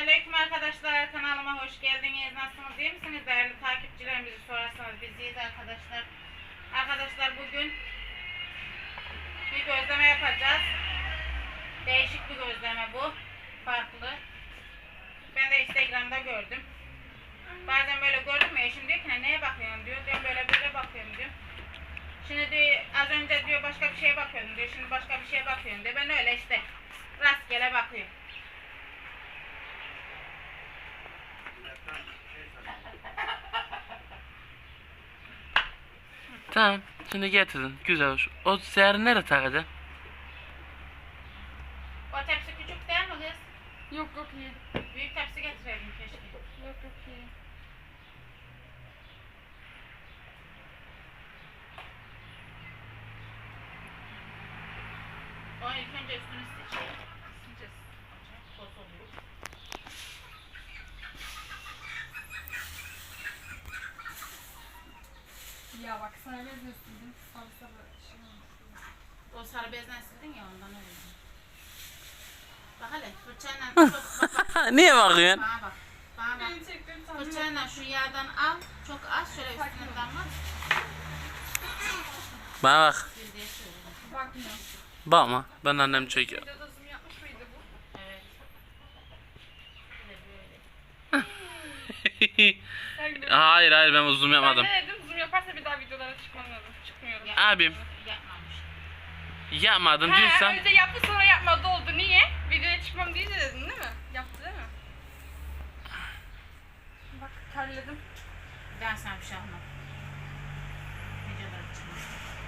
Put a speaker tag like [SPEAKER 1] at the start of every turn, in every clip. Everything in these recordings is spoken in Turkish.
[SPEAKER 1] Selamünaleyküm arkadaşlar, kanalıma hoş geldiniz. Nasılsınız, iyi misiniz? Değerli takipçilerimizi sorarsanız biz iyiyiz arkadaşlar. Arkadaşlar bugün bir gözleme yapacağız. Değişik bir gözleme bu. Farklı. Ben de Instagram'da gördüm. Bazen böyle gördüm ya, eşim diyor ki neye bakıyorsun diyor. Ben böyle bakıyorum diyor. Şimdi diyor, az önce diyor başka bir şeye bakıyordum diyor. Şimdi başka bir şeye bakıyorum diyor. Ben öyle işte rastgele bakıyorum.
[SPEAKER 2] Tamam, şimdi getirdin. Güzel olmuş. O seherı nereye takacaksın?
[SPEAKER 1] O tepsi küçük değil mi kız?
[SPEAKER 3] Yok yok iyi.
[SPEAKER 1] Büyük tepsi getirelim keşke.
[SPEAKER 3] Yok yok iyi.
[SPEAKER 1] O ilk önce üstünü seçelim. Sıcak toz oluyor.
[SPEAKER 3] Ya bak sana ne diyorsun? Sarı şey olmuş.
[SPEAKER 1] O sarı bezden sildin ya, ondan öyle. Bak hele fırçayla çok bak.
[SPEAKER 2] Niye bakıyorsun?
[SPEAKER 1] Bana bak. Bana bak.
[SPEAKER 3] Beni çektim sana.
[SPEAKER 1] Fırçayla şu yağdan al. Çok az şöyle üstüne damlat.
[SPEAKER 2] Bana bak.
[SPEAKER 1] Sil diye söylüyorum.
[SPEAKER 3] Bakmıyorum.
[SPEAKER 2] Bakma. Ben annem çekiyor.
[SPEAKER 3] Videoda zoom yapmış mıydı bu?
[SPEAKER 1] Evet. Böyle.
[SPEAKER 3] Her gün
[SPEAKER 2] hayır ben uzun yapmadım.
[SPEAKER 3] Ben ne dedim? Zoom yaparsa bir daha videolara çıkmam lazım. Çıkmıyorum.
[SPEAKER 2] Abim.
[SPEAKER 1] Yapmamış.
[SPEAKER 2] Yapmadım
[SPEAKER 3] Ha,
[SPEAKER 2] diyorsan.
[SPEAKER 3] önce yaptı sonra yapmadı oldu. Niye? Videoya çıkmam deyince dedin değil mi? Yaptı değil mi? Bak terledim.
[SPEAKER 1] Ben sana bir şey almam. Videoları çıkmış.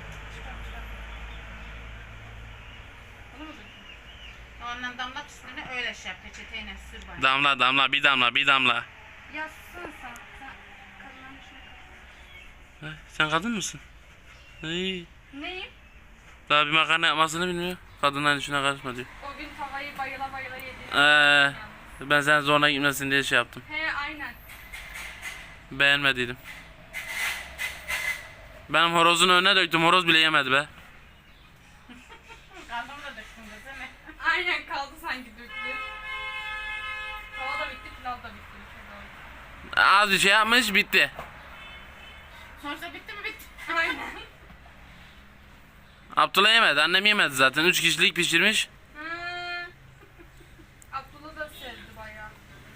[SPEAKER 3] Bunu mu döktün?
[SPEAKER 1] Ondan damlat üstüne öyle şey yap. Peçeteyle sür bana.
[SPEAKER 2] Damla bir damla.
[SPEAKER 3] Yazsın sen. Sen kadınların işine karışma.
[SPEAKER 2] Sen kadın mısın? İyi.
[SPEAKER 3] Neyim?
[SPEAKER 2] Daha bir makarna yapmasını bilmiyor. Kadınların işine karışma diyor.
[SPEAKER 3] O gün tavayı bayıla yedi.
[SPEAKER 2] Ben sen zoruna gitmesin diye şey yaptım.
[SPEAKER 3] He aynen.
[SPEAKER 2] Beğenmediydim. Benim horozun önüne döktüm. Horoz bile yemedi be.
[SPEAKER 1] Kaldım da döktüm de değil mi?
[SPEAKER 3] Aynen kaldı sanki döktü. Tava da bitti, pilav da bitti.
[SPEAKER 2] Az bir şey yapmış bitti.
[SPEAKER 1] Sonuçta bitti mi bitti.
[SPEAKER 3] Aynen.
[SPEAKER 2] Abdullah yemedi. Annem yemedi zaten. 3 kişilik pişirmiş.
[SPEAKER 3] Abdullah da sevdi bayağı.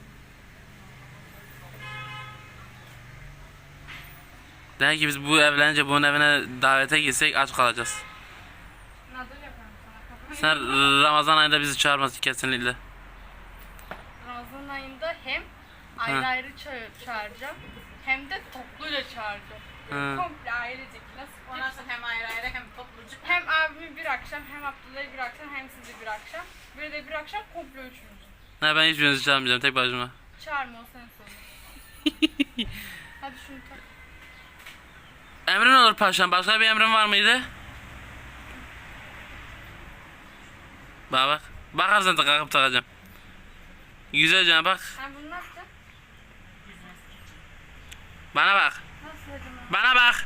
[SPEAKER 2] Demek ki biz bu evlenince bunun evine davete gitsek aç kalacağız.
[SPEAKER 3] Nadıl yaparım sana.
[SPEAKER 2] Sen Ramazan ayında bizi çağırmasın kesinlikle.
[SPEAKER 3] Ramazan ayında hem ayrı ayrı çağıracağım hem de topluyla çağıracağım.
[SPEAKER 2] Hı.
[SPEAKER 3] Komple ailecek.
[SPEAKER 1] O
[SPEAKER 3] Nasıl?
[SPEAKER 1] nasıl hem ayrı ayrı hem topluca.
[SPEAKER 3] Hem abimi bir akşam, hem Abdullah'ı bir akşam, hem sizi bir akşam. Böyle de bir akşam komple üçümüzü.
[SPEAKER 2] Ne ben hiçbirinizi çağırmayacağım tek başıma.
[SPEAKER 3] Çağırma o senin sorun. Hadi şunu tak.
[SPEAKER 2] Emrin olur paşam. Başka bir emrin var mıydı? Bak bak. Bakarsın da kalkıp takacağım. Güzelce bak.
[SPEAKER 3] Sen bunu nasıl?
[SPEAKER 2] Bana bak.
[SPEAKER 3] Nasıl hacım?
[SPEAKER 2] Bana bak.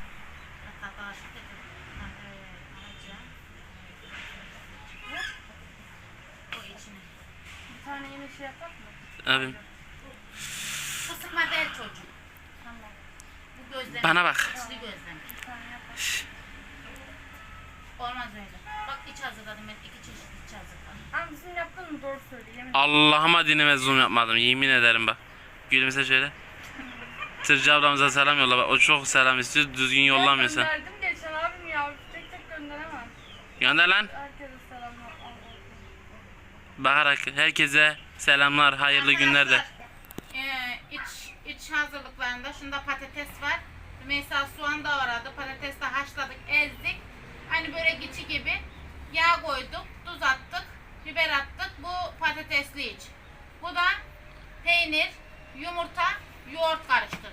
[SPEAKER 1] O içine.
[SPEAKER 3] Bir tane yine şey yapar mı?
[SPEAKER 2] Abim.
[SPEAKER 1] Bu sıkma değil çocuğum.
[SPEAKER 3] Tamam.
[SPEAKER 1] Bu gözleme.
[SPEAKER 2] Bana bak.
[SPEAKER 1] İçli gözleme.
[SPEAKER 3] Bir tane yapar.
[SPEAKER 1] Olmaz öyle. Bak iç hazırladım ben. 2 çeşit iç hazırladım.
[SPEAKER 3] Ama bizim yaptığın mı doğru söyle. Yemin
[SPEAKER 2] Allah'ıma dinime zoom yapmadım. Yemin ederim bak. Gülümse şöyle. Tırcı ablamıza selam yolla bak. O çok selam istiyor. Düzgün yollamıyor sen.
[SPEAKER 3] Gönderdim geçen abim ya. Tek tek gönderemem.
[SPEAKER 2] Gönder lan.
[SPEAKER 3] Herkese selamlar.
[SPEAKER 2] Bakarak herkese selamlar. Hayırlı günler de.
[SPEAKER 1] İç hazırlıklarında şunda patates var. Mesela soğan da vardı. Patates de haşladık, ezdik. Hani börek içi gibi. Yağ koyduk, tuz attık, biber attık. Bu patatesli iç. Bu da peynir, yumurta, yoğurt karıştırdık.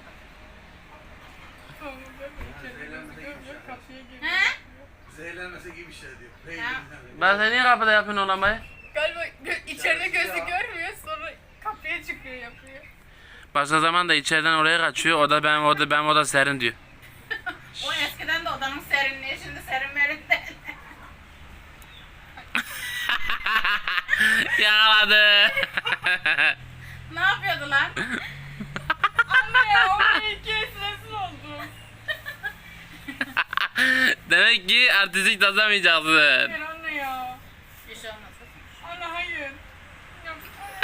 [SPEAKER 1] He?
[SPEAKER 4] Zehirlenmesi gibi bir şey diyor.
[SPEAKER 1] Ya.
[SPEAKER 4] Peynirden.
[SPEAKER 2] Ben sen niye kapıda yapıyorsun olamayı?
[SPEAKER 3] Galiba içeride gözü görmüyor, sonra kapıya çıkıyor yapıyor.
[SPEAKER 2] Başka zaman da içeriden oraya kaçıyor. O da benim oda serin diyor.
[SPEAKER 1] O eskiden de odanın serinliği, şimdi serin verin de.
[SPEAKER 2] Yakaladı.
[SPEAKER 1] Ne yapıyordu lan?
[SPEAKER 3] Anne ya o iki esnesin oldu.
[SPEAKER 2] Demek ki artistik tasamayacaksın.
[SPEAKER 3] Hayır anne ya.
[SPEAKER 1] Bir şey olmaz.
[SPEAKER 3] Anne hayır. Yok.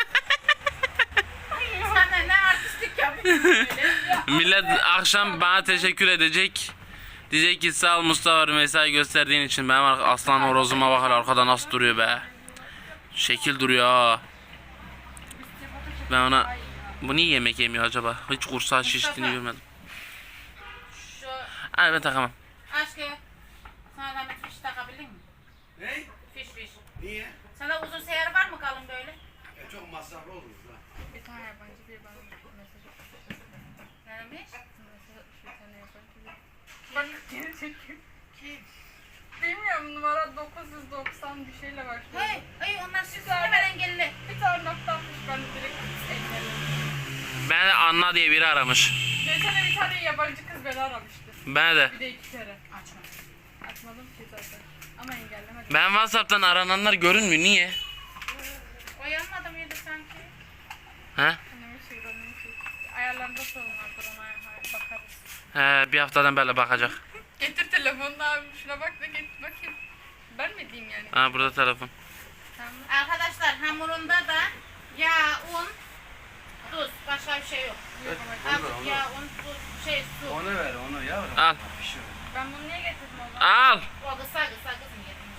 [SPEAKER 1] Sen de ne artistlik yapıyorsun böyle?
[SPEAKER 2] Millet akşam bana teşekkür edecek. Diyecek ki sağ ol Mustafa mesai gösterdiğin için. Benim aslan horozuma bakar arkada nasıl duruyor be. Şekil duruyor ha. Ben ona... Bu niye yemek yemiyor acaba? Hiç kursağı şiştiğini görmedim.
[SPEAKER 1] Şu
[SPEAKER 2] Hayır ben takamam.
[SPEAKER 1] aşkı sana da bir fiş takabilir mi?
[SPEAKER 4] Ne?
[SPEAKER 1] Fiş.
[SPEAKER 4] Niye?
[SPEAKER 1] Sana uzun seyer var mı kalın böyle?
[SPEAKER 4] Çok masraflı olur da.
[SPEAKER 3] Bir tane yabancı bir bana mesaj atmış.
[SPEAKER 1] Ne demiş?
[SPEAKER 3] Mesaj atmış bir tane yabancı bir. Bak geri çekiyor.
[SPEAKER 1] Kim?
[SPEAKER 3] Bilmiyorum numara 990 bir şeyle başlıyor.
[SPEAKER 1] Hey onlar sizi hemen engelli.
[SPEAKER 3] Bir tane nokta atmış ben de direkt engelledim.
[SPEAKER 2] Ben de Anna diye biri aramış.
[SPEAKER 3] Geçen de bir tane yabancı kız beni aramıştı.
[SPEAKER 2] Ben de.
[SPEAKER 3] Bir de 2 kere.
[SPEAKER 1] Açma.
[SPEAKER 3] Açmadım ki zaten. Ama engellemedim.
[SPEAKER 2] Ben WhatsApp'tan arananlar görünmüyor. Niye?
[SPEAKER 1] Oyanmadı mıydı sanki?
[SPEAKER 2] He?
[SPEAKER 3] Annemin şey, annemin şey. Ayarlarında sorun vardır ona bakarız.
[SPEAKER 2] He bir haftadan böyle bakacak.
[SPEAKER 3] Getir telefonunu abi şuna bak da getir bakayım. Ben mi diyeyim yani?
[SPEAKER 2] Ha burada telefon.
[SPEAKER 3] Tamam.
[SPEAKER 1] Arkadaşlar hamurunda da yağ, un, tuz. Başka bir şey yok. Azıcık yağ, un, tuz, su.
[SPEAKER 4] Onu ver onu yavrum.
[SPEAKER 2] Al.
[SPEAKER 4] Pişir.
[SPEAKER 3] Ben bunu niye getirdim o zaman?
[SPEAKER 2] Al.
[SPEAKER 1] O kısa kızım yedim.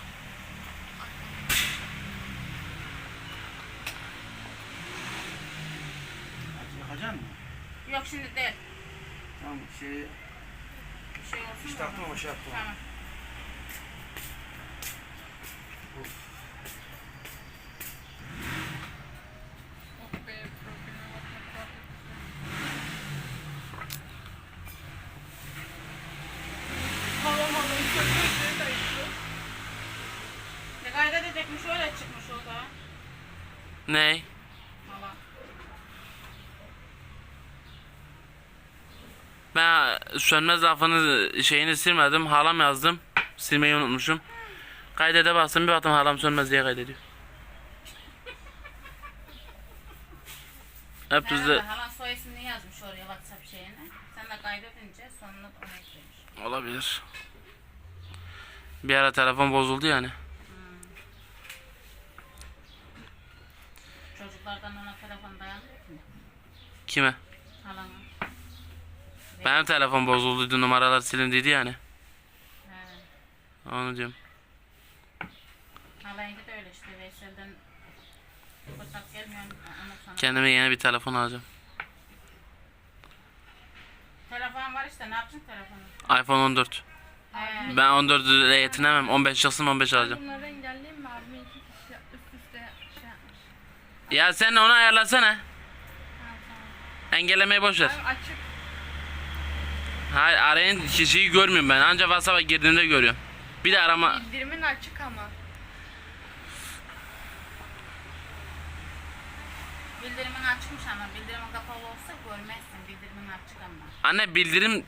[SPEAKER 4] Yakacaksın mı?
[SPEAKER 1] Yok şimdi değil.
[SPEAKER 4] Tamam şey
[SPEAKER 1] Bir şey olsun
[SPEAKER 4] hiç
[SPEAKER 1] mu?
[SPEAKER 4] taktım ama şey yaptım.
[SPEAKER 1] Tamam.
[SPEAKER 3] Oh be probleme bakmak var. Halam halam çok
[SPEAKER 1] Ne kaydedecekmiş öyle çıkmış o da.
[SPEAKER 2] Ne?
[SPEAKER 1] Valla.
[SPEAKER 2] Ben sönmez lafını şeyini silmedim. Halam yazdım. Silmeyi unutmuşum. Kaydede bastım bir baktım halam sönmez diye kaydediyor. Hep
[SPEAKER 1] Herhalde
[SPEAKER 2] düzde
[SPEAKER 1] halan soy ismini yazmış oraya WhatsApp şeyine. Sen de kaydedince sonuna onu eklemiş.
[SPEAKER 2] olabilir. Bir ara telefon bozuldu yani.
[SPEAKER 1] Çocuklardan ona telefon dayanmıyor mu?
[SPEAKER 2] Kime?
[SPEAKER 1] Halana.
[SPEAKER 2] Benim telefon bozulduydu numaralar silindiydi yani.
[SPEAKER 1] He.
[SPEAKER 2] Onu diyorum.
[SPEAKER 1] Halayınca da öyle işte. Veysel'den fırsat gelmiyor. Ondan sonra.
[SPEAKER 2] Kendime yeni bir telefon alacağım.
[SPEAKER 1] Telefon var işte. Ne yapacaksın telefonu?
[SPEAKER 2] iPhone 14.
[SPEAKER 1] He.
[SPEAKER 2] Ben 14 ile yetinemem. 15 çıksın 15 alacağım.
[SPEAKER 3] Bunları engelleyeyim mi? Abime 2 kişi üst üste şey yapmış.
[SPEAKER 2] Ya sen onu ayarlasana.
[SPEAKER 3] Ha tamam.
[SPEAKER 2] Engellemeyi boş ver.
[SPEAKER 3] Abi açık.
[SPEAKER 2] Hayır arayan kişiyi görmüyorum ben. Ancak WhatsApp'a girdiğimde görüyorum. Bir de arama.
[SPEAKER 3] Bildirimin açık ama.
[SPEAKER 1] Bildirimin açıkmış ama bildirimin kapalı olsa görmezsin. Bildirimin açık ama.
[SPEAKER 2] Anne bildirim.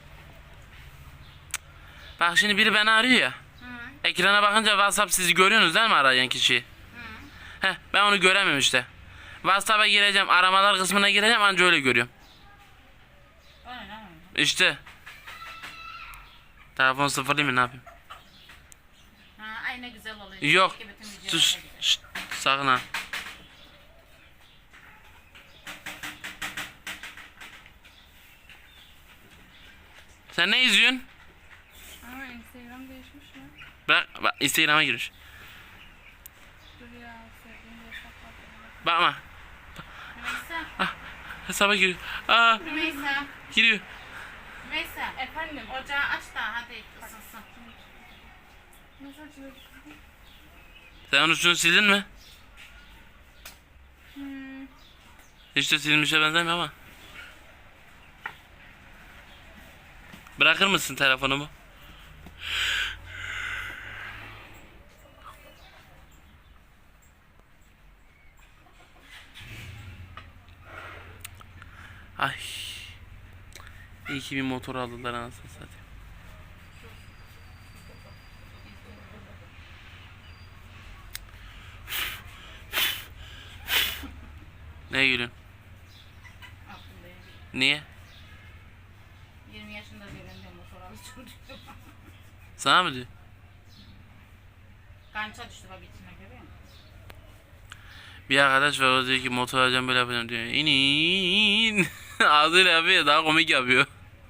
[SPEAKER 2] Bak şimdi biri beni arıyor ya.
[SPEAKER 1] Hı.
[SPEAKER 2] Ekrana bakınca WhatsApp sizi görüyorsunuz değil mi arayan kişiyi?
[SPEAKER 1] Hı.
[SPEAKER 2] Heh ben onu göremiyorum işte. WhatsApp'a gireceğim aramalar kısmına gireceğim anca öyle görüyorum.
[SPEAKER 1] Öyle mi?
[SPEAKER 2] İşte. Telefon sıfırlayayım mı ne yapayım?
[SPEAKER 1] Ha, ay ne güzel oluyor.
[SPEAKER 2] Yok.
[SPEAKER 1] Keşke bütün videolarda
[SPEAKER 2] Sus.
[SPEAKER 1] gibi.
[SPEAKER 2] Şşt, sakın ha. Sen ne izliyorsun?
[SPEAKER 3] Ama Instagram değişmiş mi?
[SPEAKER 2] Bak Instagram'a giriş.
[SPEAKER 3] Dur ya sevdiğim bir hesap var.
[SPEAKER 2] Bakma.
[SPEAKER 1] Rümeysa.
[SPEAKER 2] Hesaba giriyor. Aa
[SPEAKER 1] Rümeysa.
[SPEAKER 2] giriyor.
[SPEAKER 1] Rümeysa.
[SPEAKER 3] Efendim?
[SPEAKER 1] Ocağı aç da hadi ısınsın.
[SPEAKER 3] Nasıl açılıyor?
[SPEAKER 2] Sen onun üstünü sildin mi?
[SPEAKER 3] Hmm.
[SPEAKER 2] Hiç de silmişe benzemiyor ama. Bırakır mısın telefonumu? Ay. İyi ki bir motor aldılar anasını satayım. Ne gülüyorsun? Niye?
[SPEAKER 1] 20 yaşında diyor ben de motor alışım düştüm.
[SPEAKER 2] Sana mı diyor?
[SPEAKER 1] Kança düştü bak içine görüyor musun?
[SPEAKER 2] Bir arkadaş var, o diyor ki motor alacağım böyle yapacağım diyor. İnin. Ağzıyla yapıyor, daha komik yapıyor.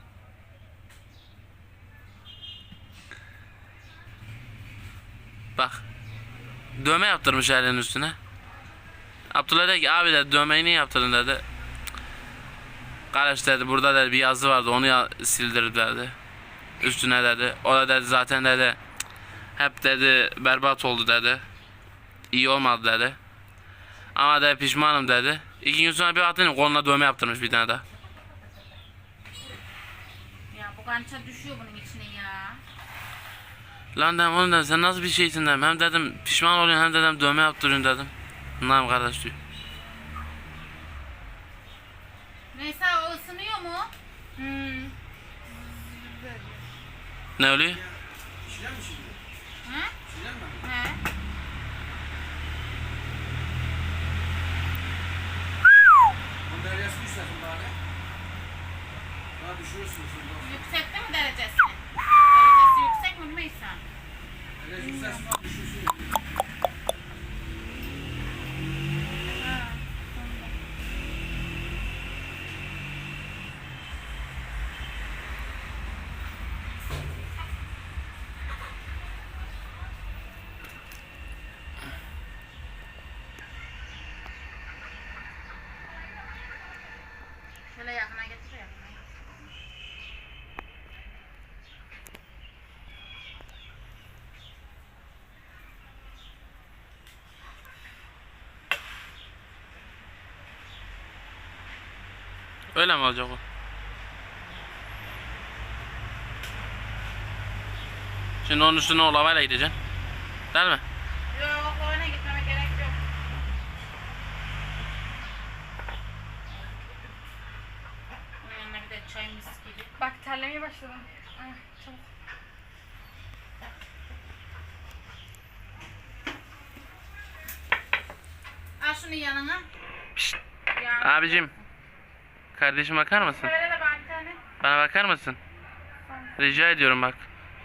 [SPEAKER 2] Bak. Dövme yaptırmış elinin üstüne. Abdullah dedi ki abi dedi dövmeyi niye yaptırdın dedi. Kardeş dedi burada dedi bir yazı vardı onu sildirdi dedi. Üstüne dedi. O da dedi zaten dedi hep dedi berbat oldu dedi. İyi olmadı dedi. Ama dedi pişmanım dedi. 2 gün sonra bir baktım koluna dövme yaptırmış bir tane daha.
[SPEAKER 1] Ya bu kança düşüyor bunun içine ya.
[SPEAKER 2] Lan dedim oğlum dedim sen nasıl bir şeysin dedim. Hem dedim pişman oluyorsun hem dedim dövme yaptırıyorsun dedim. Bunlar kardeş diyor.
[SPEAKER 1] Neyse o ısınıyor mu?
[SPEAKER 2] Ne oluyor?
[SPEAKER 4] Şilen mi şimdi?
[SPEAKER 1] He?
[SPEAKER 4] Şilen mi?
[SPEAKER 1] He?
[SPEAKER 4] Onun deryasını istersin bari. Daha düşürürsün şimdi.
[SPEAKER 1] Yüksekte mi derecesi? Derecesi yüksek mi Rümeysa?
[SPEAKER 4] Deryası istersin daha düşürsün.
[SPEAKER 1] Şöyle yakına getir yakına.
[SPEAKER 2] Öyle mi olacak o? Şimdi onun üstüne o lavayla gideceksin. Değil mi?
[SPEAKER 1] Yok oyuna gitmeme gerek yok. Bunun yanına bir de çay mis gibi.
[SPEAKER 3] Bak terlemeye başladım. Ay, çabuk.
[SPEAKER 1] Al şunu yanına.
[SPEAKER 2] Pişt.
[SPEAKER 1] Yanına.
[SPEAKER 2] Abicim. Kardeşim bakar mısın?
[SPEAKER 1] Şöyle de bak bir tane.
[SPEAKER 2] Bana bakar mısın? Rica ediyorum bak.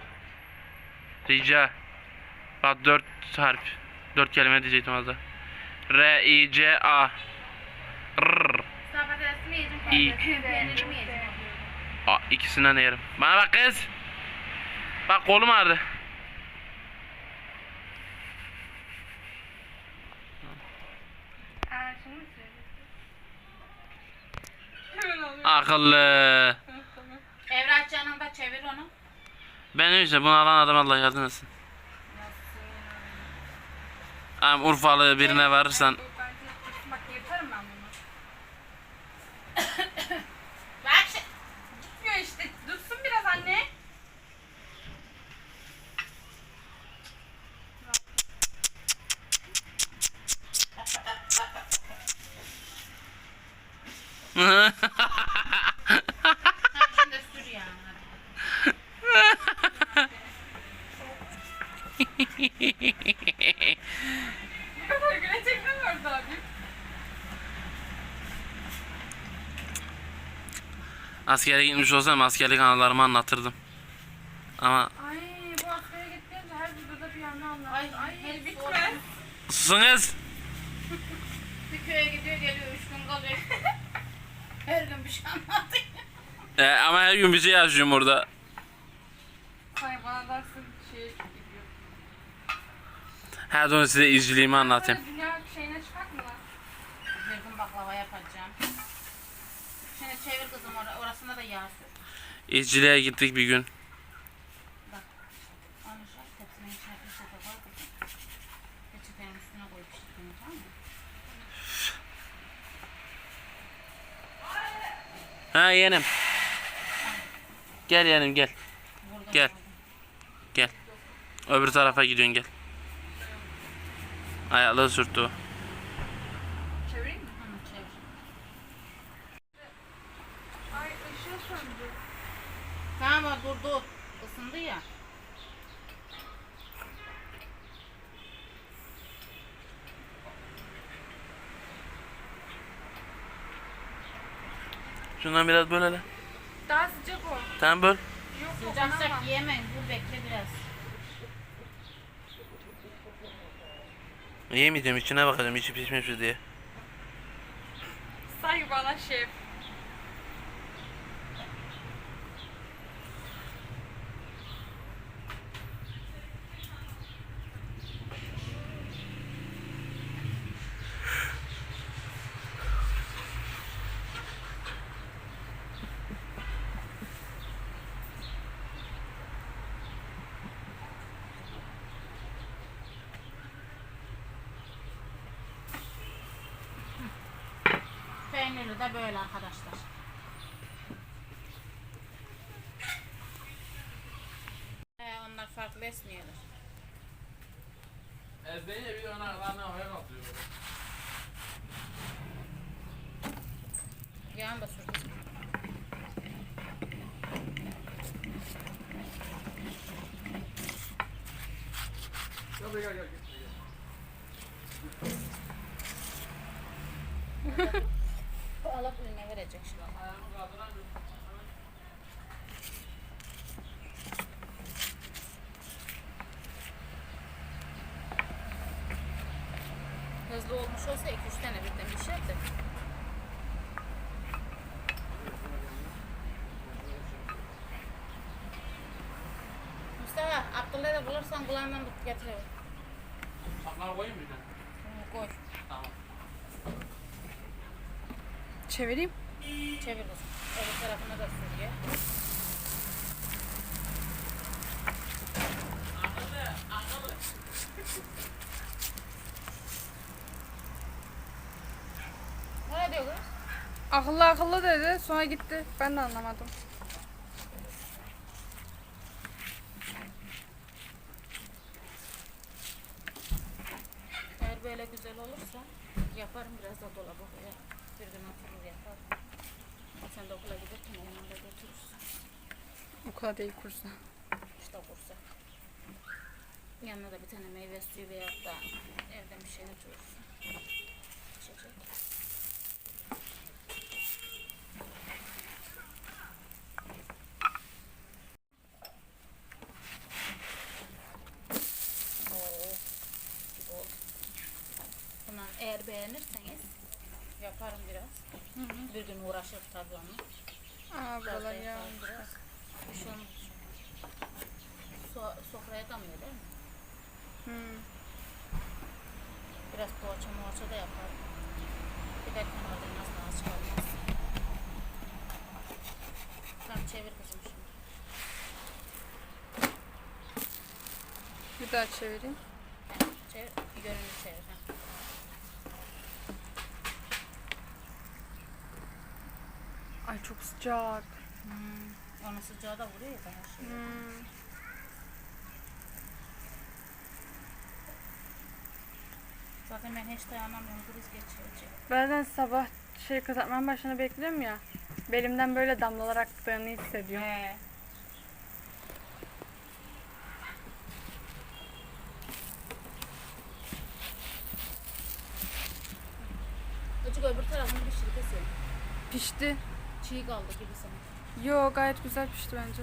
[SPEAKER 2] Rica. Bak 4 harf. 4 kelime diyecektim az daha. R-I-C-A. Rrr.
[SPEAKER 1] Sağ patatesi mi yiyeceğim?
[SPEAKER 2] İyi.
[SPEAKER 1] Peyniri mi yiyeceğim?
[SPEAKER 2] Aa, ikisinden de yerim. Bana bak kız. Bak kolum ağrıdı.
[SPEAKER 3] Şunu mu söyleyeyim? Hemen alıyorum.
[SPEAKER 2] Akıllı.
[SPEAKER 3] Tamam.
[SPEAKER 1] Evraç yanında çevir onu.
[SPEAKER 2] Ben öyleyse bunu alan adam Allah yardım etsin. Am Urfalı birine varırsan.
[SPEAKER 3] Bu bence dursun. Bak yırtarım ben bunu.
[SPEAKER 1] Bak
[SPEAKER 3] Gitmiyor işte. Dursun biraz anne.
[SPEAKER 1] sen de sür yani.
[SPEAKER 3] Bu kadar gülecek mi vardı abi?
[SPEAKER 2] Askere gitmiş olsam askerlik anılarımı anlatırdım. Ama
[SPEAKER 3] Ay bu askere gittiğince her videoda bir yandan anlattı.
[SPEAKER 1] Ay,
[SPEAKER 3] Ay
[SPEAKER 1] hep
[SPEAKER 3] bitmez.
[SPEAKER 2] susun kız.
[SPEAKER 1] Bir köye gidiyor geliyor 3 gün kalıyor. Her gün bir şey anlatıyor.
[SPEAKER 2] Ama her gün bir şey yaşıyorum orada.
[SPEAKER 3] Ay bana dersin şeye gidiyor.
[SPEAKER 2] Her zaman size izciliğimi anlatayım.
[SPEAKER 3] Böyle dünya şeyine çıkart mı lan?
[SPEAKER 1] Bir gün baklava yapacağım. Şimdi çevir kızım orasında da yağ sür.
[SPEAKER 2] İzciliğe gittik bir gün.
[SPEAKER 1] Bak. Onu şöyle tepsinin içine peçete koy kızım. Peçetenin üstüne koy pişirdiğini tamam mı?
[SPEAKER 2] Ha yeğenim. Gel yeğenim gel.
[SPEAKER 1] Burada
[SPEAKER 2] Gel. Gel. Öbür tarafa gidiyorsun gel. Ayakları sürttü o.
[SPEAKER 3] Çevireyim mi?
[SPEAKER 1] Hı, çevir.
[SPEAKER 3] Ay ışığı söndü.
[SPEAKER 1] Tamam dur. Isındı ya.
[SPEAKER 2] Şundan biraz böl hele.
[SPEAKER 3] Daha sıcak o.
[SPEAKER 2] Tamam böl.
[SPEAKER 3] Yok
[SPEAKER 1] Sıcak
[SPEAKER 3] yok.
[SPEAKER 1] sıcak yemeyin. Dur bekle biraz.
[SPEAKER 2] Yemeyeceğim, içine bakacağım içi pişmiş mi diye.
[SPEAKER 3] Sanki bana şef.
[SPEAKER 1] Peyniri de böyle arkadaşlar. Onlar farklı esmiyorlar.
[SPEAKER 2] Ezdeğince bir de ona havaya kalkıyor.
[SPEAKER 1] Yağın da sürdüm.
[SPEAKER 4] Gel gel gel.
[SPEAKER 1] Bu alıp eline verecek şimdi. Hızlı olmuş olsa 2-3 tane birden pişer de. Mustafa, Abdullah'ı da bulursan kulağından tut getir.
[SPEAKER 2] Saplar koyayım mı bir de?
[SPEAKER 1] Koy.
[SPEAKER 2] Tamam.
[SPEAKER 3] Çevireyim.
[SPEAKER 1] Çevir kızım. Öbür tarafına da sür ya. Ne diyor kız?
[SPEAKER 3] Akıllı akıllı dedi. Sonra gitti. Ben de anlamadım.
[SPEAKER 1] Eğer böyle güzel olursa yaparım biraz da dolaba koyarım. Bir gün oturur yaparım. Sen de okula giderken yanında götürürsün.
[SPEAKER 3] Okula değil kursa.
[SPEAKER 1] İşte kursa. Yanına da bir tane meyve suyu veya da evden bir şey götürürsün. İçecek. Oo, gibi oldu. Bundan eğer beğenirseniz yaparım biraz. Bir gün uğraşır tabii onu.
[SPEAKER 3] Aa
[SPEAKER 1] Biraz da
[SPEAKER 3] buralar ya.
[SPEAKER 1] yaparım biraz. Bir şey olmaz. Sofraya damlıyor değil mi?
[SPEAKER 3] Hmm.
[SPEAKER 1] Biraz poğaça da yaparım. Giderken oradan nasıl az çıkarmaz. Tamam çevir kızım şimdi.
[SPEAKER 3] Bir daha çevireyim.
[SPEAKER 1] Çevir, yönünü çevir. Ha.
[SPEAKER 3] Ay çok sıcak.
[SPEAKER 1] Onun sıcağı da vuruyor ya daha şey. Zaten ben hiç dayanamıyorum. Kriz geçirecek.
[SPEAKER 3] Bazen sabah kızartmanın başına bekliyorum ya. Belimden böyle damlalar aktığını hissediyorum.
[SPEAKER 1] He. Azıcık öbür tarafını pişir kesin.
[SPEAKER 3] Pişti.
[SPEAKER 1] Çiğ kaldı gibi sanki.
[SPEAKER 3] Yo gayet güzel pişti bence.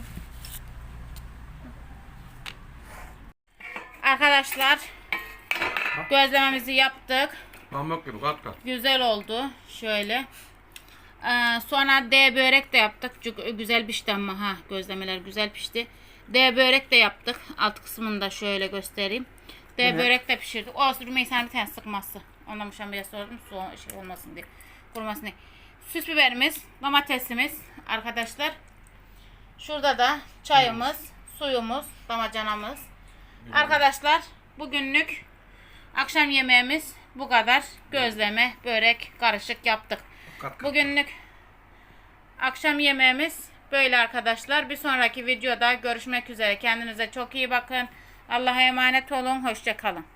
[SPEAKER 1] Arkadaşlar gözlememizi yaptık.
[SPEAKER 4] Pamuk gibi kat kat.
[SPEAKER 1] Güzel oldu. Şöyle. Sonra D börek de yaptık. Çok güzel pişti ama ha gözlemeler güzel pişti. D börek de yaptık. Alt kısmını da şöyle göstereyim. D börek de pişirdik. O Rümeysa'nın bir tane sıkması. Ondan muşambaya sordum. Şey olmasın diye. Kurumasın diye. Süs biberimiz, domatesimiz arkadaşlar. Şurada da çayımız, suyumuz, damacanamız. Arkadaşlar bugünlük akşam yemeğimiz bu kadar. Gözleme, börek, karışık yaptık.
[SPEAKER 4] Kat kat.
[SPEAKER 1] Bugünlük akşam yemeğimiz böyle arkadaşlar. Bir sonraki videoda görüşmek üzere. Kendinize çok iyi bakın. Allah'a emanet olun. Hoşça kalın.